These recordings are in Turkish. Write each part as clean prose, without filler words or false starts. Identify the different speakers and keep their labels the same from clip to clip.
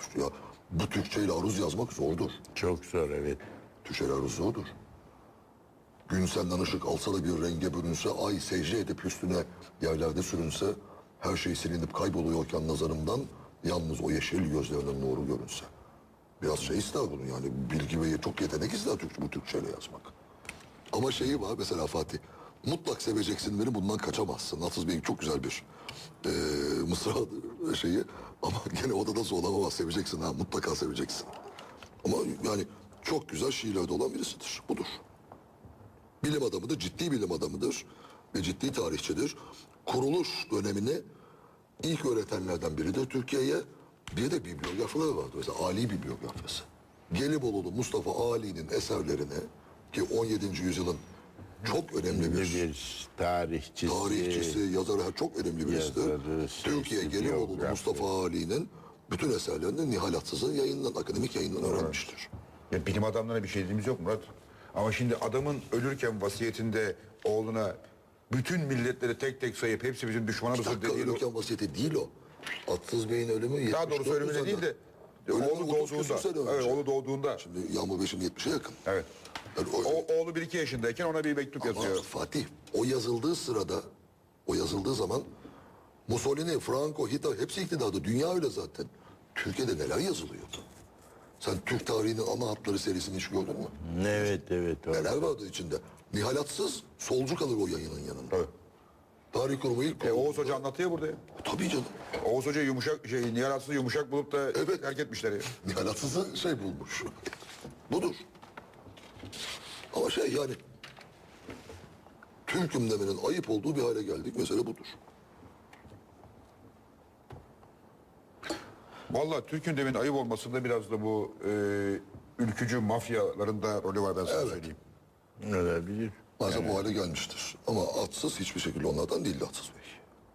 Speaker 1: Ya bu Türkçeyle aruz yazmak zordur.
Speaker 2: Çok zor, evet.
Speaker 1: Türkçeyle aruz zordur. Gün senden ışık alsa da bir renge bürünse, ay secde edip üstüne yerlerde sürünse, her şey silinip kayboluyorken nazarımdan, yalnız o yeşil gözlerinin nuru görünse. Biraz şey ister bunun yani, bilgi ve çok yetenek ister bu Türkçeyle yazmak. Ama şeyi var mesela Fatih, mutlak seveceksin beni, bundan kaçamazsın. Hafız Bey'in çok güzel bir mısra şeyi, ama gene odada zorlamamaz, seveceksin ha, mutlaka seveceksin. Ama yani çok güzel şiirlerde olan birisidir, budur. Bilim adamıdır, ciddi bilim adamıdır ve ciddi tarihçidir. Kuruluş dönemini ilk öğretenlerden biridir Türkiye'ye. Bir de bibliografları vardı. Mesela Ali bibliografyası. Gelibolu'lu Mustafa Ali'nin eserlerini, ki 17. yüzyılın çok önemli bir tarihçisi, yazarı, çok önemli birisidir. Türkiye Gelibolu'lu Mustafa Ali'nin bütün eserlerini Nihal Atsız'ın yayından, akademik yayından öğrenmiştir.
Speaker 3: Ya bilim adamlarına bir şey dediğimiz yok Murat. Ama şimdi adamın ölürken vasiyetinde oğluna bütün milletleri tek tek sayıp hepsi bizim düşmanımızdır dediği...
Speaker 1: Ölürken vasiyeti değil o. Atsız Bey'in ölümü 74
Speaker 3: daha doğrusu ölümüne değil de oğlu doğduğunda. Evet, oğlu doğduğunda.
Speaker 1: Şimdi Yağmur Beşim 70'e yakın.
Speaker 3: Evet.
Speaker 1: Yani
Speaker 3: Oğlu 1-2 yaşındayken ona bir mektup yazıyor.
Speaker 1: Ama Fatih, o yazıldığı sırada, o yazıldığı zaman Mussolini, Franco, Hitler hepsi iktidarda. Dünya öyle zaten. Türkiye'de neler yazılıyordu? Sen Türk tarihinin ana hatları serisini hiç gördün mü?
Speaker 2: Evet, evet.
Speaker 1: Neler vardı içinde? Nihal Atsız solcu kalır o yayının yanında.
Speaker 3: Evet.
Speaker 1: Tarih kurumu ilk...
Speaker 3: Oğuz Hoca anlatıyor burada ya.
Speaker 1: Tabii canım.
Speaker 3: Oğuz Hoca Nihal Atsız'ı yumuşak bulup da
Speaker 1: Evet.
Speaker 3: terk etmişler ya.
Speaker 1: Nihal Atsız'ı şey bulmuş. Budur. Ama şey yani... Türk'üm demenin ayıp olduğu bir hale geldik. Mesele budur.
Speaker 3: Vallahi Türk'ün demin ayıp olmasında biraz da bu ülkücü mafyaların da rolü var, ben sana söyleyeyim.
Speaker 2: Olabilir.
Speaker 1: Bazen bu hale gelmiştir. Ama Atsız hiçbir şekilde onlardan değildi Atsız Bey.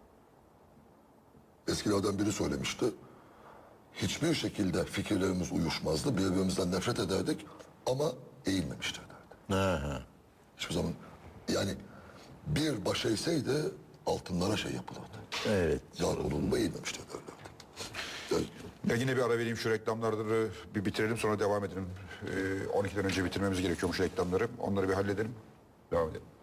Speaker 1: Eskilerden biri söylemişti. Hiçbir şekilde fikirlerimiz uyuşmazdı. Birbirimizden nefret ederdik ama eğilmemiştir derdi.
Speaker 2: Aha.
Speaker 1: Hiçbir zaman yani bir baş eğseydi altınlara şey yapılırdı.
Speaker 2: Evet.
Speaker 1: Yar olunma eğilmemiştir derlerdi. Yani
Speaker 3: Ya yine bir ara vereyim, şu reklamları bir bitirelim, sonra devam edelim. 12'den önce bitirmemiz gerekiyormuş reklamları. Onları bir halledelim. Devam edelim.